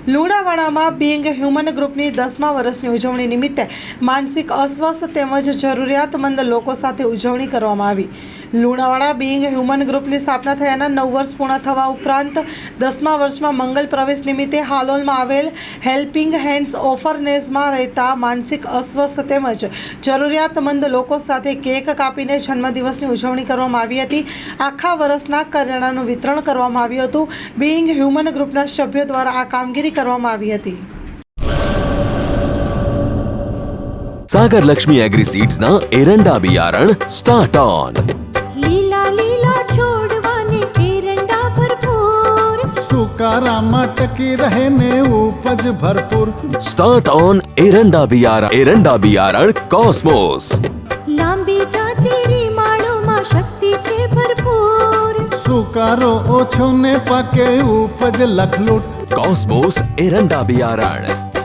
લુણાવાડામાં being human ગ્રુપની 10મા વર્ષની ઉજવણી નિમિત્તે માનસિક અસ્વસ્થ તેમજ જરૂરિયાતમંદ લોકો સાથે ઉજવણી કરવામાં આવી। લુણાવાડા બીંગ હ્યુમન ગ્રુપની સ્થાપના થયાના 9 વર્ષ પૂર્ણ થવા ઉપરાંત 10મા વર્ષમાં મંગલ પ્રવેશ નિમિત્તે હાલોલમાં આવેલ હેલ્પિંગ હેન્ડ્સ ઓર્ફનેજમાં રહેતા માનસિક અસ્વસ્થ તેમજ જરૂરિયાતમંદ લોકો સાથે કેક કાપીને જન્મદિવસની ઉજવણી કરવામાં આવી હતી। આખા વર્ષના કરિયાણાનું વિતરણ કરવામાં આવ્યું હતું। બીંગ હ્યુમન ગ્રુપના સભ્યો દ્વારા આ કામગીરી કરવામાં આવી હતી। सागर लक्ष्मी एग्रीसीड्स ना एरंडा बियारण स्टार्ट ऑन। લીલા લીલા છોડવાને એરંડા ભરપૂર, સુકારામાં ટકી રહે ને ઉપજ ભરપૂર। स्टार्ट ऑन एरंडा बियारण कॉस्मोस। લાંબી જાચેરી માળોમાં શક્તિ છે ભરપૂર, સુકારો ઓછો ને પાકે ઉપજ લખલૂટ। कॉस्मोस एरंडा बियारण।